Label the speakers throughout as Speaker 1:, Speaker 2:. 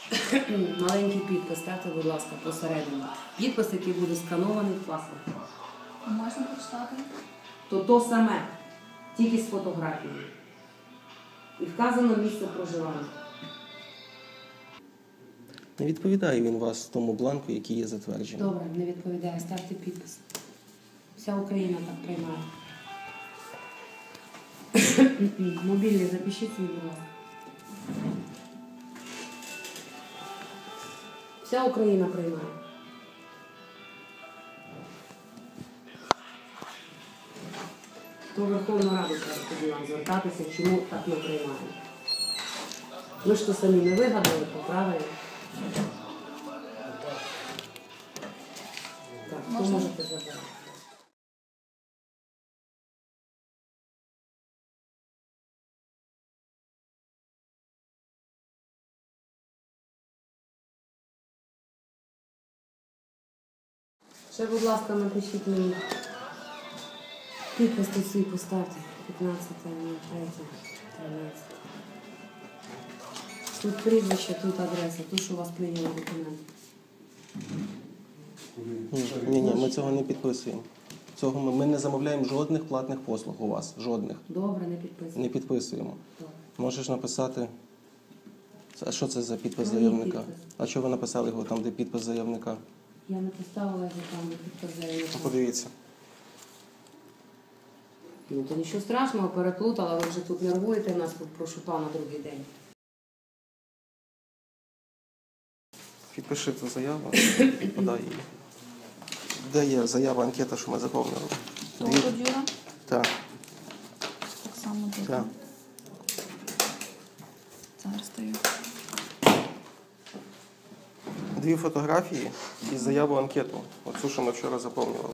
Speaker 1: Маленький підпис, ставте, будь ласка, посередині. Підпис, який буде сканований в паспорті.
Speaker 2: Можна прочитати?
Speaker 1: То саме, тільки з фотографією. І вказано місце проживання.
Speaker 3: Не відповідає він вас тому бланку, який є затверджений.
Speaker 1: Добре, не відповідає, ставте підпис. Вся Україна так приймає. Мобільний запишіть свій, будь ласка. Вся Україна приймає. То Верховну Раду треба тоді вам звертатися, чому так не приймаємо. Ви ж то самі не вигадали, то правильно. Так, то можете забрати. Ще, будь ласка, напишіть мені. Підпис тут свій поставте. 15.03.13. Тут прізвище, тут адреса, тут що у вас прийняли документи.
Speaker 3: Ні, ми цього не підписуємо. Ми не замовляємо жодних платних послуг у вас. Жодних.
Speaker 1: Добре, не підписуємо.
Speaker 3: Не підписуємо.
Speaker 1: Добре.
Speaker 3: Можеш написати. А що це за підпис
Speaker 1: Мій
Speaker 3: заявника?
Speaker 1: підпис.
Speaker 3: А чого ви написали його там, де підпис заявника?
Speaker 1: Я не поставила його там, де підпис заявника.
Speaker 3: Подивіться.
Speaker 1: Ну, то нічого страшного, переплутала, ви вже тут нервуєте нас, тут прошу пана другий день.
Speaker 3: Підпиши цю заяву і подай її. Де є заява, анкета, що ми заповнили?
Speaker 2: Того Юра?
Speaker 3: Так.
Speaker 2: Так само тут.
Speaker 3: Так.
Speaker 2: Зараз стою.
Speaker 3: 2 фотографії і заяву анкету. Оцю, що ми вчора заповнювали.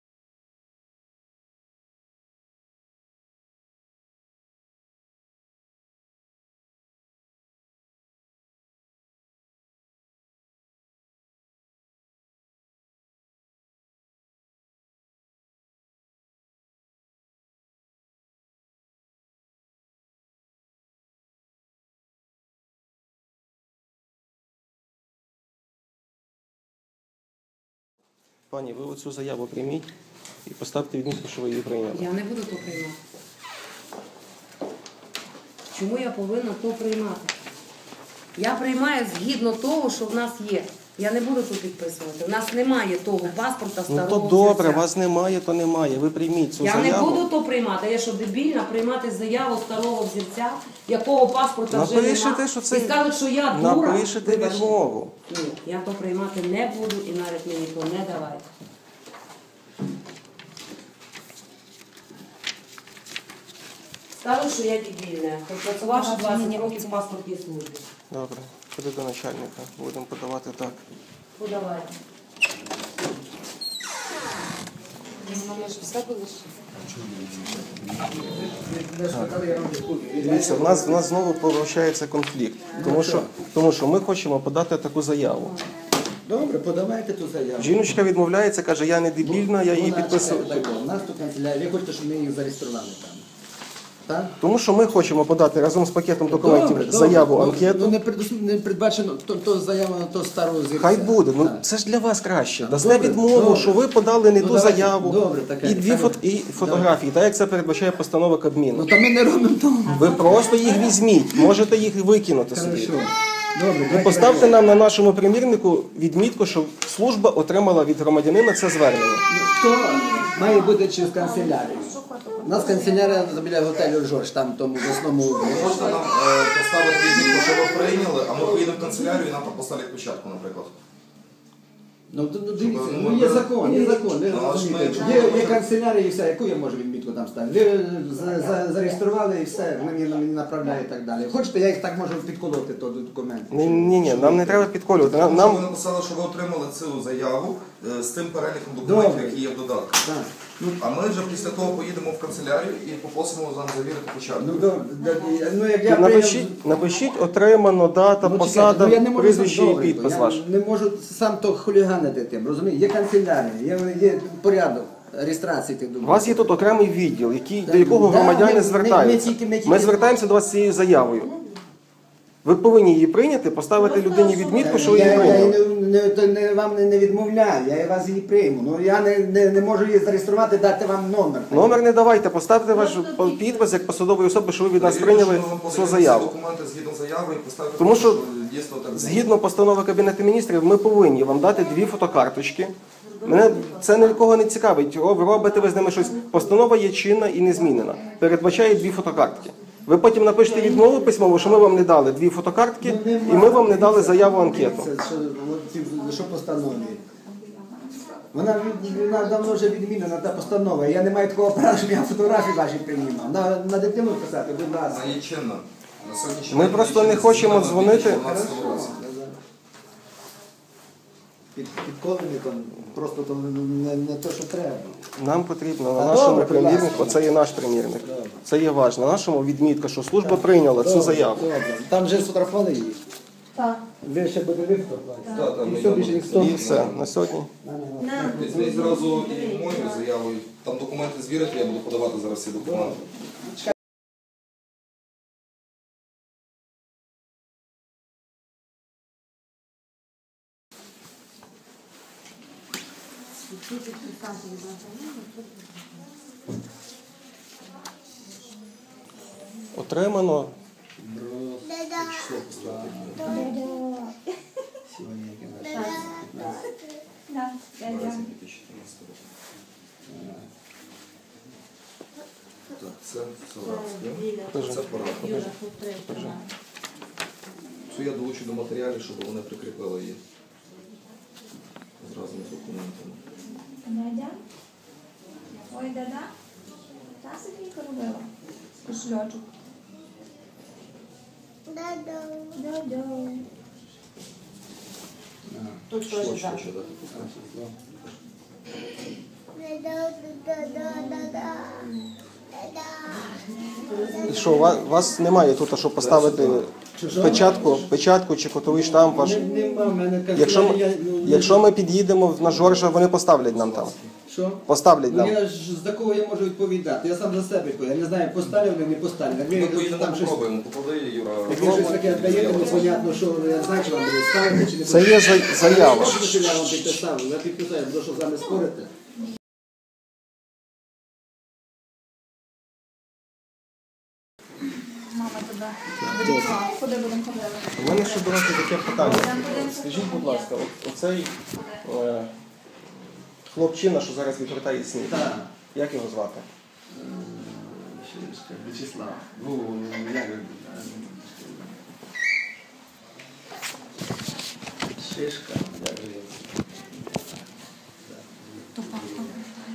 Speaker 3: Пані, ви оцю заяву прийміть і поставте відмітку, що ви її прийняли.
Speaker 1: Я не буду то приймати. Чому я повинна то приймати? Я приймаю згідно того, що в нас є. Я не буду тут підписувати. У нас немає того паспорта
Speaker 3: Ну
Speaker 1: старого.
Speaker 3: то добре,
Speaker 1: взірця.
Speaker 3: вас немає, то немає. Ви прийміть цю
Speaker 1: Я
Speaker 3: заяву.
Speaker 1: не буду то приймати. Я що, дебільна приймати заяву старого взірця, якого паспорта вже
Speaker 3: Напишете,
Speaker 1: немає.
Speaker 3: що це-
Speaker 1: І скажуть, що я дура.
Speaker 3: Напишете
Speaker 1: Вибачте.
Speaker 3: відмову.
Speaker 1: Ні, я то приймати не буду і навіть мені то не давайте. Скажу, що я дебільна. Хоч працювавши 20 років в паспортній службі.
Speaker 3: Добре, ходи до начальника. Будемо подавати так.
Speaker 1: Подавайте.
Speaker 3: Дивіться, в нас знову повищається конфлікт. Тому що ми хочемо подати таку заяву.
Speaker 4: Добре, подавайте ту заяву.
Speaker 3: Жіночка відмовляється, каже, я не дебільна, я її
Speaker 4: Вона,
Speaker 3: підписую.
Speaker 4: чекайте, так, у нас тут канцелярія, ви хочете, щоб ми їх зареєстрували там. Так?
Speaker 3: Тому що ми хочемо подати разом з пакетом документів заяву, анкету.
Speaker 4: Не передбачено, то заява на то старого зірця.
Speaker 3: Хай буде, ну
Speaker 4: Так.
Speaker 3: це ж для вас краще. Дасте
Speaker 4: Добре,
Speaker 3: відмову,
Speaker 4: добре.
Speaker 3: що ви подали не
Speaker 4: Ну,
Speaker 3: ту
Speaker 4: давайте,
Speaker 3: заяву
Speaker 4: добре, таке,
Speaker 3: і 2 фотографії, так як це передбачає постанова Кабміну.
Speaker 4: Ну, то ми не робимо того.
Speaker 3: Ви просто їх візьміть, можете їх викинути собі.
Speaker 4: Хорошо. Добре,
Speaker 3: І поставте нам на нашому примірнику відмітку, що служба отримала від громадянина це звернення.
Speaker 4: Хто має бути через канцелярію? У нас канцелярія біля готелю Жорж, там тому в основному.
Speaker 5: Можна нам поставити відмітку, що ви прийняли, а ми поїдемо в канцелярію і нам там поставлять печатку, наприклад.
Speaker 4: Ну, дивіться, ну є закон. Ви розумієте. Є канцелярія і все, яку я можу відмітку там ставити? Ви зареєстрували і все, мені направляють і так далі. Хочете, я їх так можу підколоти, то документ.
Speaker 3: Ні, нам не треба підколювати.
Speaker 5: Ви
Speaker 3: Нам
Speaker 5: написали, що ви отримали цю заяву з тим переліком документів,
Speaker 4: Добре.
Speaker 5: які є в додатку.
Speaker 4: Так.
Speaker 5: А ми вже після того поїдемо в канцелярію і попросимо вам завірити печатку.
Speaker 4: Ну, ну як я
Speaker 3: напишіть отримано, дата, посада,
Speaker 4: я не можу
Speaker 3: прізвище
Speaker 4: сам
Speaker 3: і
Speaker 4: добре,
Speaker 3: підпис
Speaker 4: я
Speaker 3: ваш.
Speaker 4: не можу сам то хуліганити тим, розумієте? Є канцелярія, є порядок реєстрації тих
Speaker 3: У
Speaker 4: документів.
Speaker 3: вас є тут окремий відділ, до якого
Speaker 4: Да,
Speaker 3: громадяни
Speaker 4: ми
Speaker 3: звертаються.
Speaker 4: тільки-
Speaker 3: Ми звертаємося до вас з цією заявою. Ви повинні її прийняти, поставити людині відмітку, що ви її
Speaker 4: Я
Speaker 3: прийняли.
Speaker 4: вам не відмовляю, я вас її прийму. Ну я не можу її зареєструвати, дати вам номер.
Speaker 3: Номер не давайте, поставте ваш підпис як посадової особи, що ви від нас прийняли цю заяву.
Speaker 5: Документи згідно заяви і поставити,
Speaker 3: Тому що
Speaker 5: дійсно так.
Speaker 3: згідно постанови Кабінету міністрів, ми повинні вам дати 2 фотокарточки. Мене це нікого не цікавить. О, ви робите ви з ними щось. Постанова є чинна і незмінена. Передбачає 2 фотокартки. Ви потім напишете відмову письмову, що ми вам не дали 2 фотокартки, і ми вам не дали заяву анкету.
Speaker 4: Це що постанові? Вона давно вже відмінена, та постанова. Я не маю такого права, щоб я фотографії ваші приймав. На дитину писати, будь ласка.
Speaker 5: Вона є чинна. На сьогоднішній
Speaker 3: Ми
Speaker 5: день
Speaker 3: просто
Speaker 5: вона
Speaker 3: не
Speaker 5: є
Speaker 3: хочемо
Speaker 5: чинна в
Speaker 3: дзвонити.
Speaker 5: 2012 році.
Speaker 4: Підколений там, просто то не те, що треба.
Speaker 3: Нам потрібно на
Speaker 4: Та
Speaker 3: нашому
Speaker 4: добре, будь ласка.
Speaker 3: примірнику, це є наш примірник. Це є важливо. На нашому відмітка, що служба прийняла цю заяву.
Speaker 4: Добре. Там вже сфотографували її.
Speaker 2: Так.
Speaker 4: Ви ще будете фотографувати.
Speaker 5: Так, там
Speaker 4: І
Speaker 5: я
Speaker 4: все, більше
Speaker 5: буду-
Speaker 4: ніхто.
Speaker 3: І все, на сьогодні.
Speaker 5: Візьміть зразу і мою заяву, і там документи звірити, я буду подавати зараз всі документи.
Speaker 3: Отримано.
Speaker 4: Сьогодні яке наше?
Speaker 5: Березень 2014 року. Так, це Соратське. Це Парад. Це я долучу до матеріалів, щоб вони прикріпили її. Зразу з документами.
Speaker 2: Дядя? Ой, дада? Та собі робила. Кошельочок. Дадо.
Speaker 1: Тут
Speaker 5: Що,
Speaker 1: теж
Speaker 5: що,
Speaker 1: так.
Speaker 5: що дати пускати?
Speaker 3: І що, у вас немає тут, щоб поставити печатку чи котовий штамп ваш?
Speaker 4: Нема, в мене
Speaker 3: Якщо ми під'їдемо на Жоржа, вони поставлять нам там.
Speaker 4: Що?
Speaker 3: Поставлять
Speaker 4: Ну
Speaker 3: нам.
Speaker 4: я ж за кого я можу відповідати? Я сам за себе відповідаю. Я не знаю, поставлю вони, не поставлю. Як
Speaker 5: Ми
Speaker 4: ви
Speaker 5: поїдемо,
Speaker 4: там щось,
Speaker 5: попробуємо. Поклади, Юра.
Speaker 4: як ви щось таке даєте, непонятно, що я знаю, що вам буде ставити, чи не
Speaker 3: Це є заява.
Speaker 4: Що я вам підписав? Я підписав, я буду, що з вами спорити.
Speaker 2: Мама тебе вирішила. Куди будемо ходити?
Speaker 3: У мене ще до вас є таке питання. Скажіть, будь ласка, оцей хлопчина, що зараз відвертає сніг,
Speaker 4: Так.
Speaker 3: як його звати?
Speaker 4: Вячеслав. Ну, як він? Шишка. Як же він?
Speaker 2: То папа.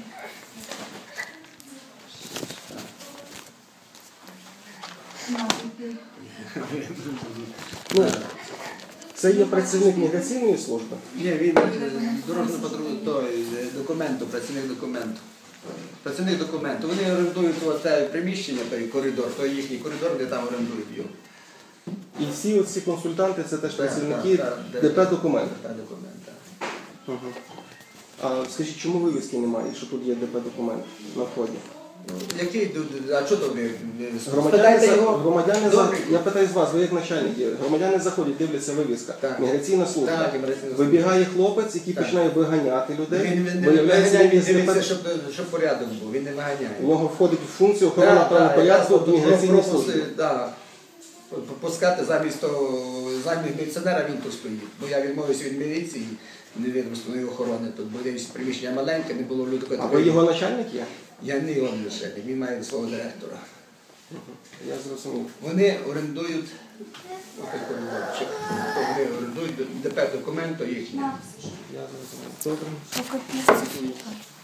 Speaker 3: Ну, це є працівник міграційної служби.
Speaker 4: Ні, він дорожнього патрулю, той документу, працівник документу. Працівник документу. Вони орендують це приміщення, той коридор, той їхній коридор, де там орендують його.
Speaker 3: І всі оці консультанти це теж працівники
Speaker 4: так,
Speaker 3: ДП документ.
Speaker 4: Та документ, так.
Speaker 3: А скажіть, чому вивіски немає, що тут є ДП документ на вході?
Speaker 4: Який, а що то ви?
Speaker 3: Громадяни,
Speaker 4: Спитайте його.
Speaker 3: громадяни
Speaker 4: Добре.
Speaker 3: я питаю з вас, ви як начальник є. Громадяни заходять, дивляться вивіска.
Speaker 4: Так.
Speaker 3: Міграційна служба.
Speaker 4: Так, міграційна служба.
Speaker 3: Вибігає хлопець, який
Speaker 4: Так.
Speaker 3: починає виганяти людей.
Speaker 4: Він не
Speaker 3: Виявляється,
Speaker 4: виганяє,
Speaker 3: він
Speaker 4: він
Speaker 3: є
Speaker 4: дивиться,
Speaker 3: ДП.
Speaker 4: щоб порядок був, він не виганяє.
Speaker 3: У нього входить в функцію охорони правопорядку в міграційній службі.
Speaker 4: Пропускати замість міліціонера він тут стоїть. Бо я відмовився від міліції, невідомої охорони тут, бо десь приміщення маленьке, не було людей.
Speaker 3: А ви його начальник є?
Speaker 4: Я не його начальник, він має свого директора.
Speaker 3: Я зрозумів.
Speaker 4: Вони орендують, вони орендують ДП документу їхнє.
Speaker 3: Я зрозумів. Добре.
Speaker 2: Поки після.